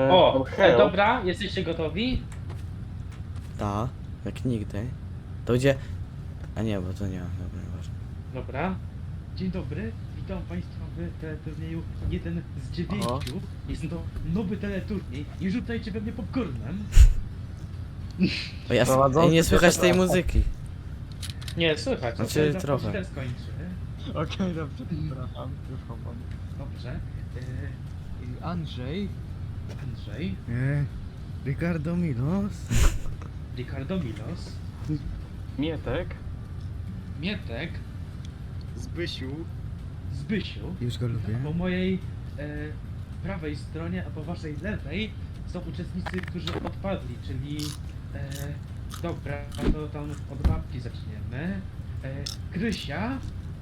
O, help. dobra, jesteście gotowi? Ta, jak nigdy. To gdzie... A nie, bo to nie, dobra, nieważne. Dobra. Dzień dobry, witam Państwa w teleturnieju 1 z 9. Jest to nowy teleturniej. Nie rzucajcie we mnie popcornem. O ja Prowadzący nie słychać tej przepraszam. muzyki. Nie, słychać. Znaczy, za trochę. chwilę skończy. Okej, dobrze, przepraszam, już chowam. Dobrze. Andrzej, Andrzej, Ricardo Milos. Ricardo Milos, Mietek. Mietek, Zbysiu, Zbysiu. Już go lubię. Po mojej prawej stronie, a po waszej lewej są uczestnicy, którzy odpadli, czyli dobra, to tam od babki zaczniemy. Krysia,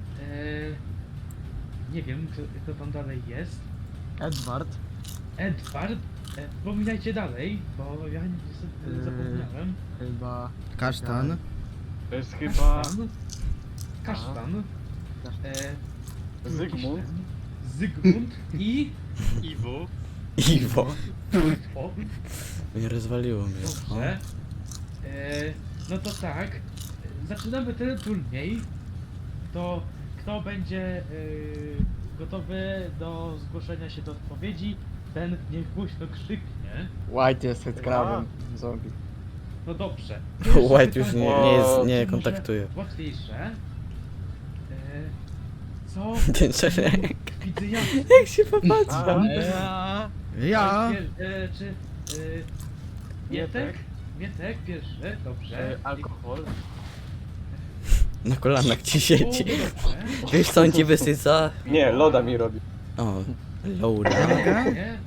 nie wiem kto tam dalej jest. Edward, Edward, pominajcie dalej, bo ja niestety zapomniałem. chyba... Kasztan. To jest chyba Kasztan, Zygmunt. Zygmunt i Iwo, Iwo. o, Nie rozwaliło mnie. dobrze. No to tak, zaczynamy ten turniej. To kto będzie gotowy do zgłoszenia się do odpowiedzi, ten niech głośno krzyknie. White jest headcrabem, zombie. No dobrze. White już nie jest, nie Może kontaktuje. Łatwiejsze. Co? Ten szereg. Widzę ja. Jak się popatrzy. Ja. Czy Mietek? Mietek pierwszy, dobrze. Alkohol. Na kolanach ci siedzi. O, dobrze. Wiesz co on ci wysyca? Nie, loda mi robi. O, Laura. Nie.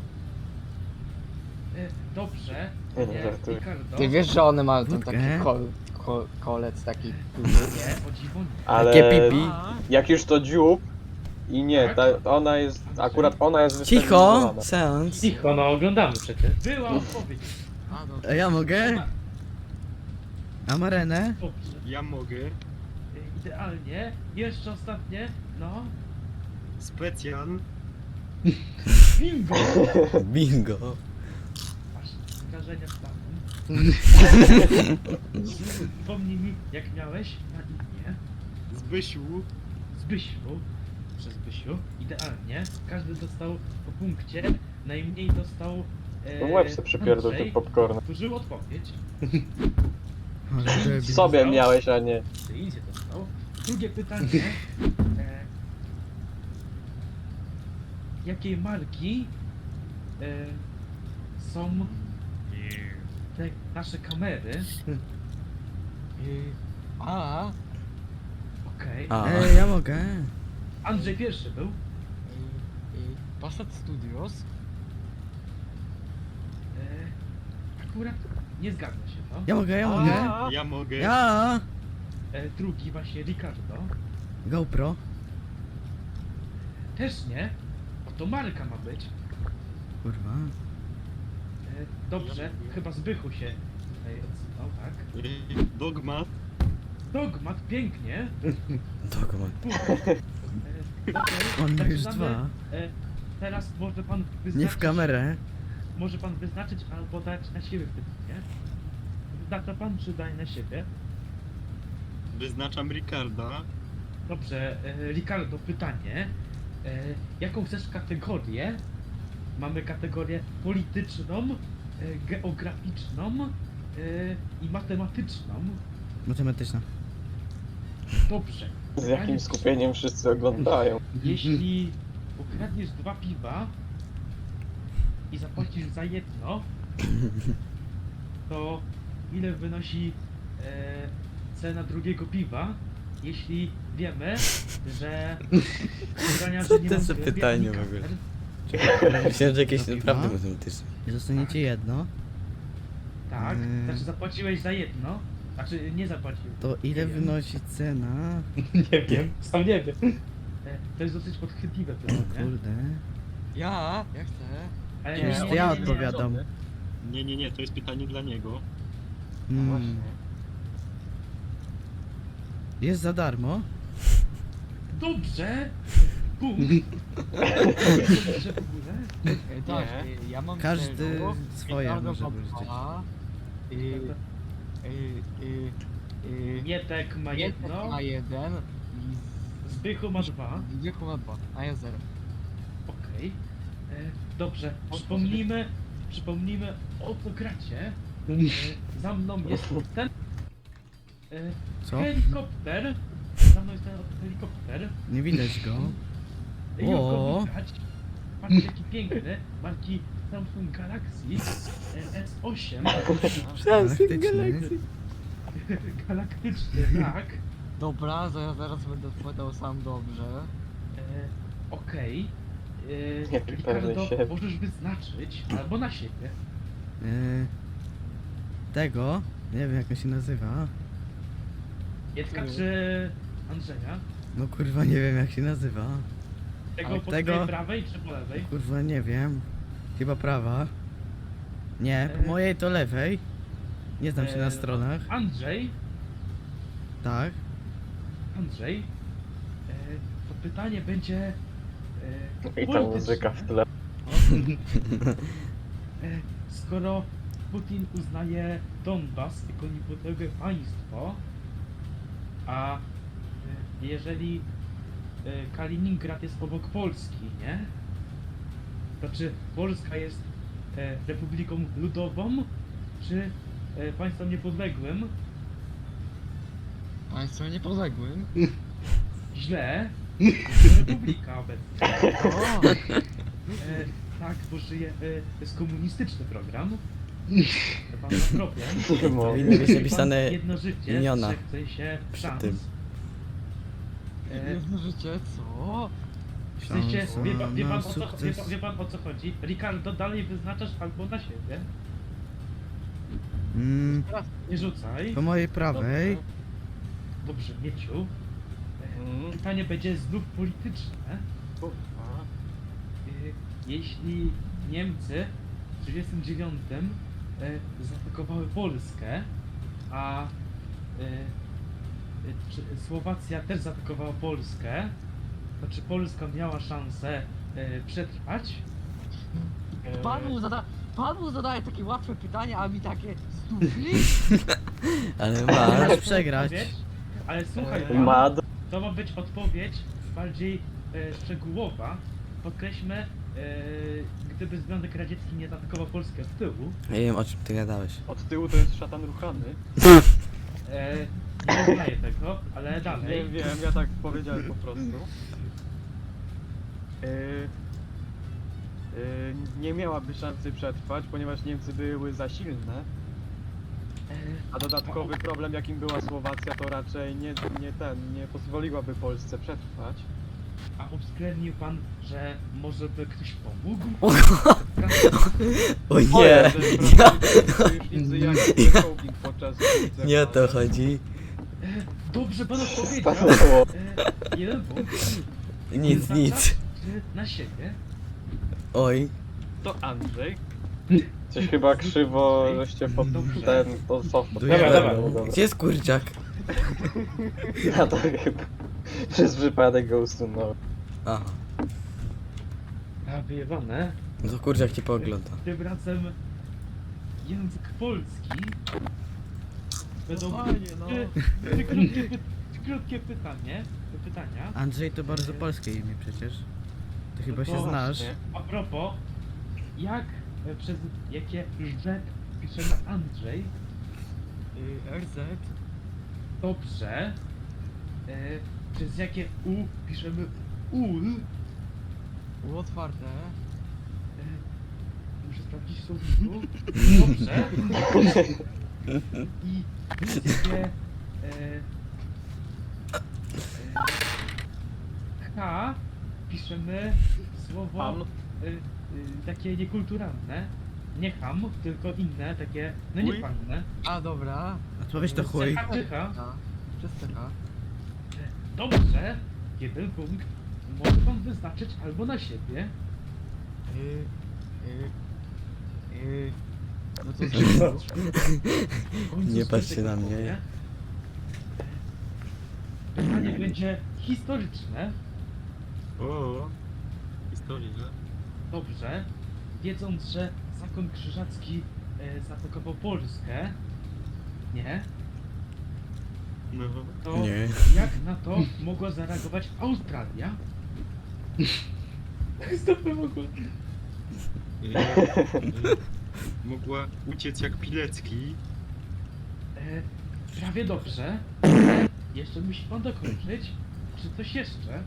Dobrze. Nie, Nie, żartuję. Ricardo. Ty wiesz, że one mają ten Wódkę? taki kolec taki duży? Nie, o dziwo nie. Ale Takie pipi. jak już to dziób i nie, ona jest, akurat ona jest Cicho! wystabilizowana. Seans. Cicho, no oglądamy przecież. Była odpowiedź. A, no, A ja mogę? A Marenę? Dobrze. ja mogę. Idealnie. Jeszcze ostatnie. No. Specjan. Bingo! Bingo. Masz wrażenia stanu. Wspomnij mi, jak miałeś na imię. Zbysiu. Zbysiu. Przez Zbysiu. Idealnie. Każdy dostał po punkcie. Najmniej dostał Łeb se przypierdol Andrzej. tym popcornem. Powtórzył odpowiedź. Ale debil. Sobie miałeś, a nie. Ty idzie dostał. Drugie pytanie. Jakiej marki są te nasze kamery? A, Okej. A. Ja mogę. Andrzej pierwszy był. Passat Studios. Akurat nie zgadza się to. Ja mogę, ja mogę. Ja mogę. Ja. Drugi właśnie Ricardo. GoPro. Też nie. Bo to marka ma być. Kurwa. Dobrze, chyba Zbychu się tutaj odzywał, tak? Dogma. Dogmat, pięknie. Dokument. On ma już Zaczynamy. dwa. Teraz może pan wyznaczyć... Nie w kamerę. Może pan wyznaczyć albo dać na siebie pytanie. Wyznacza pan czy daj na siebie? Wyznaczam Ricarda. Dobrze, Ricardo, pytanie. Jaką chcesz kategorię? Mamy kategorię polityczną, geograficzną i matematyczną. Matematyczna. Dobrze. Z jakim skupieniem wszyscy oglądają. Jeśli ukradniesz 2 piwa i zapłacisz za jedno, to ile wynosi cena drugiego piwa? Jeśli wiemy, że ubrania, Co że nie to mam za w pytanie ani w ogóle? kamer. Myślałem, że jakieś To naprawdę piwa? matematyczne. I zostaniecie jedno. Tak, znaczy zapłaciłeś za jedno, znaczy nie zapłacił. To ile Nie wiem. wynosi cena? Nie wiem, sam nie wiem. To jest dosyć podchwytliwe O pytanie. kurde. Ja chcę. Ale Nie, To ja odpowiadam. Nie, to jest pytanie dla niego. Mm. Jest za darmo. Dobrze! punkt. Że w ogóle. Tak, Nie. ja mam Każdy zero, swoje Ricardo może ma wyrzucić. 2, Mietek ma jedno, ma 1 Zbychu ma 2. i Zbychu ma 2, a ja 0. Okej. Dobrze, przypomnijmy o co gracie. Za mną jest ten Co? helikopter. Za mną jest ten helikopter. Nie widać go. Jak go O. widać? Patrzcie jaki piękny. Marki Samsung Galaxy S8. Galaktyczny. Galaktyczny, tak. Dobra, zaraz będę odpowiadał sam dobrze. Okej. Jaki pewny Ricardo, siebie. możesz wyznaczyć albo na siebie. Tego, nie wiem jak on się nazywa. Jacka czy Andrzeja? No kurwa nie wiem jak się nazywa. Tego Ale po tego- twojej prawej czy po lewej? Kurwa nie wiem. Chyba prawa. Nie, po mojej to lewej. Nie znam się na stronach. Andrzej, Tak. to pytanie będzie I ta muzyka w tle. skoro Putin uznaje Donbas jako niepodległe państwo, a jeżeli Kaliningrad jest obok Polski, nie? To czy Polska jest republiką ludową, czy państwem niepodległym? Państwo niepodległym. Źle. To republika obecnie. O, Tak, bo żyje, to jest komunistyczny program. Pan ma problem. Nie mogę. Powinny być Pan napisane jedno życie, imiona trzech w sensie przy szans. tym. jedno życie, co? W sensie, Szansa wie na pan, o co, sukces. wie pan o co chodzi? Ricardo, dalej wyznaczasz albo na siebie. Nie rzucaj. Po mojej prawej. Dobrze, Mieciu. Mm. Pytanie będzie znów polityczne. Kurwa. Jeśli Niemcy w 1939 zaatakowały Polskę, a Słowacja też zaatakowała Polskę, to czy Polska miała szansę przetrwać? Pan mu zadaje takie łatwe pytania, a mi takie stupli? Ale Masz masz. przegrać. Ale słuchaj, Mad. to ma być odpowiedź bardziej szczegółowa. Podkreślmy, gdyby Związek Radziecki nie zaatakował Polski od tyłu, Nie wiem o czym ty gadałeś. Od tyłu to jest szatan ruchany. nie uznaję tego, ale dalej. Nie wiem, ja tak powiedziałem po prostu. Nie miałaby szansy przetrwać, ponieważ Niemcy były za silne, a dodatkowy problem jakim była Słowacja to raczej nie pozwoliłaby Polsce przetrwać. A uwzględnił pan, że może by ktoś pomógł? O nie! Że Ja, sojusznicy jak Hołking podczas bitwy. nie o to chodzi. Dobrze pan odpowiedział. Stanęło. Jeden punkt. Nic, Wyznacza, nic. czy na siebie. Oj. To Andrzej. Coś chyba krzywo, żeście pod Dobrze. to soft. Dobra, dobra. Gdzie jest kurczak? Ja to chyba przez przypadek go usunąłem. Aha. A wyjebane. No to kurczak ci poogląda. Tym razem język polski. Będą Fajnie, no. trzy krótkie pytania. Andrzej to bardzo polskie imię przecież. Ty chyba się To znasz. właśnie. A propos, jak przez jakie rzek piszemy Andrzej? RZ. Dobrze. Przez jakie U piszemy ul? U otwarte. Muszę sprawdzić w słowniku. Dobrze. I przez jakie H piszemy słowo Ham. takie niekulturalne. Nie ham, tylko inne, takie, no nie Chuj. panne. A dobra. Odpowiedź to chuj. CH czy H? A, przez CH. Dobrze. Jeden punkt. Może pan wyznaczyć albo na siebie. No to Nie patrzcie na mnie. Pytanie będzie historyczne. O, historia. Dobrze. Wiedząc, że zakon krzyżacki zaatakował Polskę, nie? No. To Nie. jak na to mogła zareagować Australia? Stopy w ogóle. Mogła uciec jak Pilecki. Prawie dobrze. Jeszcze musi pan dokończyć. Czy coś jeszcze?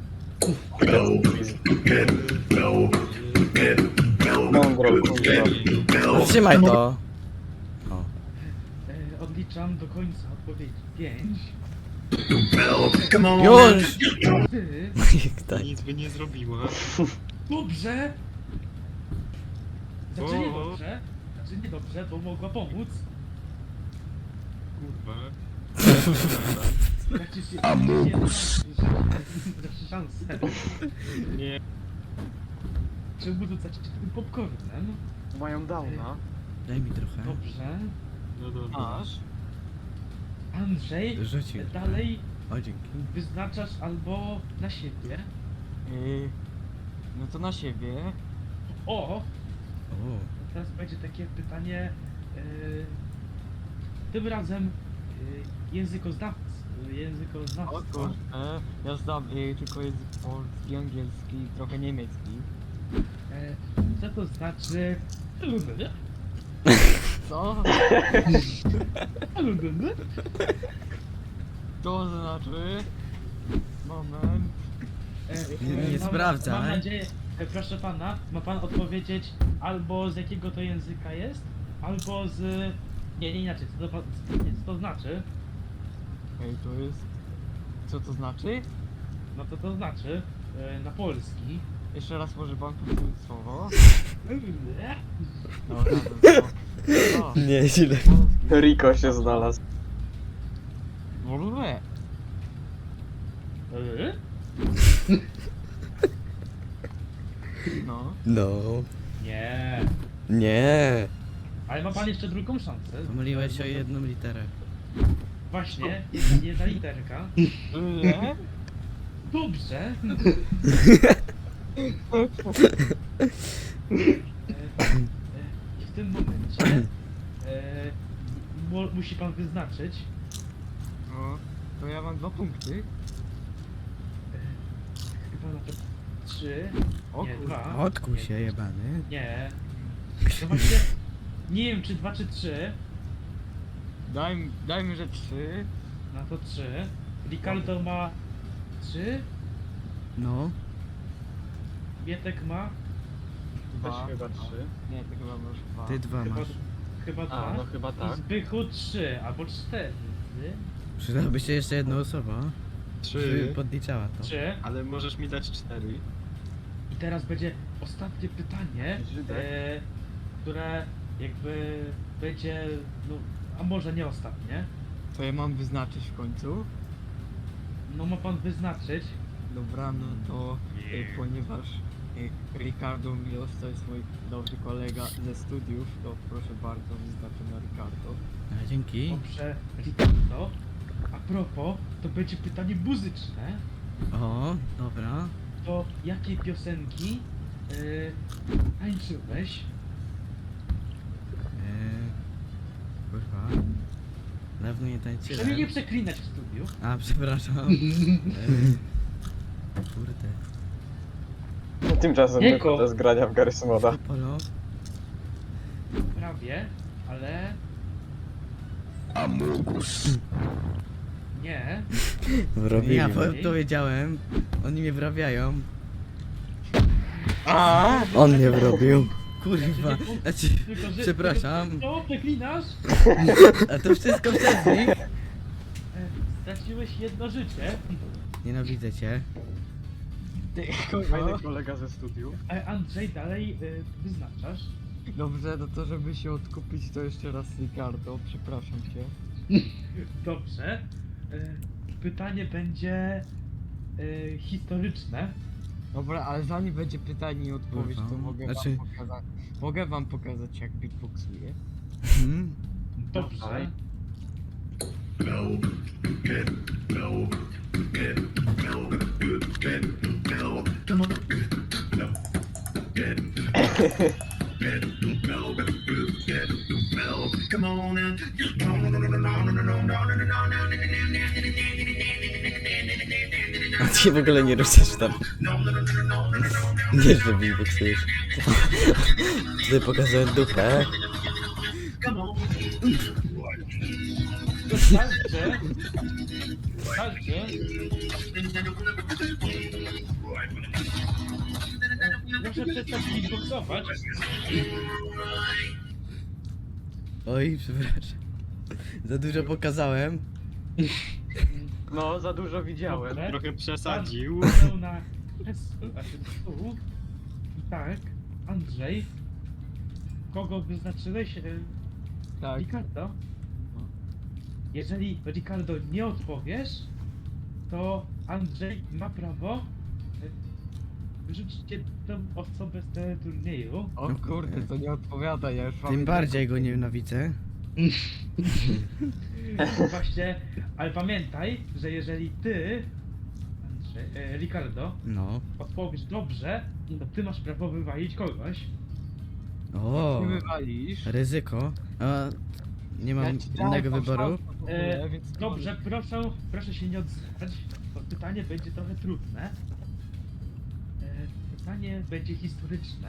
Mądro, kurwa. Trzymaj to. O. Odliczam do końca odpowiedzi. 5. Już! 4. Tak. Nic by nie zrobiła. Dobrze! Znaczy nie O. dobrze. Znaczy nie dobrze, bo mogła pomóc. Kurwa. Znaczy szansę. Nie. Czemu rzucać tym popcornem? Mają downa. Daj mi trochę. Dobrze. No dobra. Masz? Andrzej, Rzucił. dalej O, dzięki. wyznaczasz albo na siebie. No to na siebie. O! O, Teraz będzie takie pytanie. Tym razem językoznawcy. O kurczę, ja znam tylko język polski, angielski, trochę niemiecki. Co to znaczy? Co? To znaczy... Moment. Nie sprawdzaj. Mam nadzieję, proszę pana, ma pan odpowiedzieć albo z jakiego to języka jest, albo z... Nie inaczej, co to znaczy? Ej, to jest... Co to znaczy? No to znaczy na polski. Jeszcze raz może pan powtórzyć słowo? No, razem to. Nie, źle. Rico się znalazł. W ogóle. No. No. Nie. Nie. Ale ma pan jeszcze drugą szansę. pomyliłeś o jedną literę. Właśnie, jedna literka. Nie? Dobrze. I w tym momencie musi pan wyznaczyć. No. To ja mam 2 punkty. Chyba nawet 3. O Nie, kurwa. 2. Odkuł się jebany. Nie. No właśnie, nie wiem czy 2 czy 3. Dajmy, że 3. No to 3. Ricardo ma 3. No. Mietek ma Też 2. chyba 3. Nie, to chyba masz 2. Ty 2 chyba, masz. chyba 2. A, no chyba I tak. Zbychu 3 albo 4. Przydałaby się jeszcze jedna osoba, żeby 3. podliczała to. 3. Ale możesz mi dać 4. I teraz będzie ostatnie pytanie, Żydek. które jakby będzie, no, a może nie ostatnie. To ja mam wyznaczyć w końcu. No ma pan wyznaczyć. Dobra, no to ponieważ Ricardo Milos to jest mój dobry kolega ze studiów, to proszę bardzo wyznaczę na Ricardo. A, dzięki. Dobrze, Ricardo. A propos, to będzie pytanie muzyczne. O, dobra. To jakie piosenki tańczyłeś? Kurwa. Dawno nie Przynajmniej nie tańczyłem. przeklinać w studiu. A, przepraszam. Kurde. Tymczasem Nieko. wychodzę z grania w Garry's Moda. Polo. Prawie, ale... Nie. Wrobili Ja mnie. powiedziałem. Oni mnie wrabiają. On mnie wrobił. Kurwa. Znaczy, Tylko, że... przepraszam. Co, przeklinasz? A to wszystko przez nich. Straciłeś jedno życie. Nienawidzę cię. Ty, Fajny kurwa. kolega ze studiów. Andrzej, dalej wyznaczasz. Dobrze, no to żeby się odkupić, to jeszcze raz Ricardo, przepraszam cię. Dobrze. Pytanie będzie historyczne. Dobra, ale zanim będzie pytanie i odpowiedź, to Kurwa, mogę znaczy- wam pokazać. Mogę wam pokazać jak beatboxuję. Mhm. Dobrze. Dawaj. A ty się w ogóle nie ruszasz tam. Nie, że beatboxujesz. Tutaj pokazuję dupę. Zostańcie. Zostańcie. Proszę przestać beatboxować. Oj, przepraszam. Za dużo pokazałem. No, za dużo widziałem. Dobrze. Trochę przesadził. Pan na stół. I tak, Andrzej. Kogo wyznaczyłeś? Tak. Ricardo? Jeżeli Ricardo nie odpowiesz, to Andrzej ma prawo wyrzucić cię tą osobę z tego turnieju. O kurde, to nie odpowiada, ja już mam... Tym bardziej go nienawidzę. Właśnie, ale pamiętaj, że jeżeli ty, Andrzej, Ricardo, No. odpowiesz dobrze, to ty masz prawo wywalić kogoś. O, Ty wywalisz. ryzyko. A, nie mam Ja ci dałem innego tą wyboru. szansę w ogóle, więc nie Dobrze, proszę się nie odzywać, bo pytanie będzie trochę trudne. Pytanie będzie historyczne.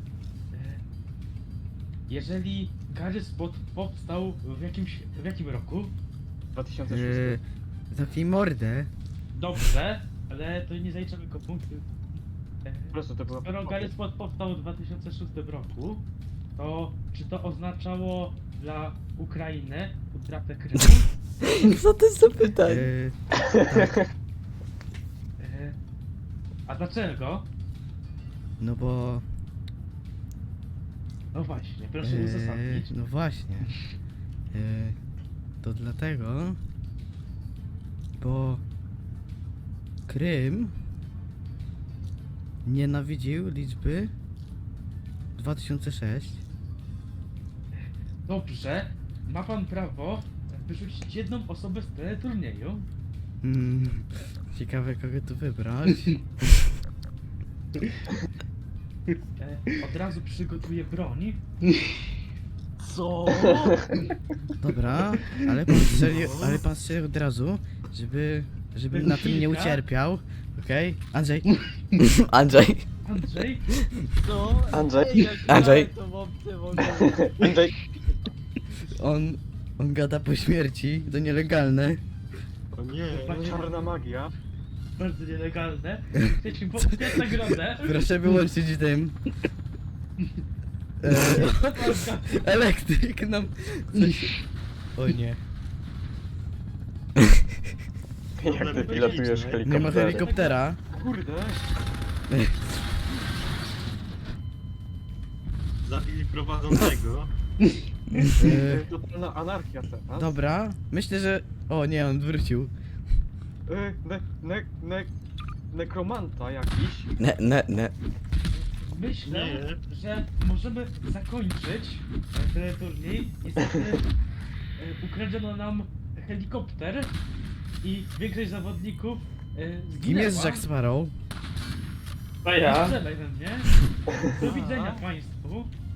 Jeżeli Garry's Mod powstał w jakim roku? 2006. Zamknij mordę. Dobrze, ale to nie zaliczamy go punktu. Po prostu to była... Skoro Garry's Mod powstał w 2006 roku, to czy to oznaczało dla Ukrainy utratę Krymu? Co to jest za pytanie? A dlaczego? No bo... No właśnie, proszę uzasadnić. no właśnie. To dlatego... Bo... Krym... Nienawidził liczby... 2006. Dobrze, ma pan prawo wyrzucić jedną osobę z teleturnieju. Ciekawe kogo tu wybrać. Od razu przygotuję broń. Co? Dobra, ale pan strzelił od razu, żeby na tym nie Kilka. ucierpiał. Okej? Andrzej, Andrzej. Andrzej, Co? Andrzej? Ej, jak Andrzej. ja tą opcję mogę... Andrzej. on gada po śmierci, to nielegalne. O nie. Czarna magia. bardzo nielegalne. Chcecie poprzeć nagrodę? Proszę wyłączyć tym. Elektryk nam coś... O nie, Jak ty pilotujesz nie ma helikopter? helikoptera. Kurde. Zabili prowadzącego. Totalna anarchia teraz. Dobra, myślę, że... O nie, on wrócił. Nekromanta jakiś. Ne. Myślę, Nie. że możemy zakończyć ten turniej. Niestety ukradziono nam helikopter i większość zawodników zginęła. Kim jest Jack Sparrow? To ja. Nie strzelaj we mnie. Do widzenia państwu.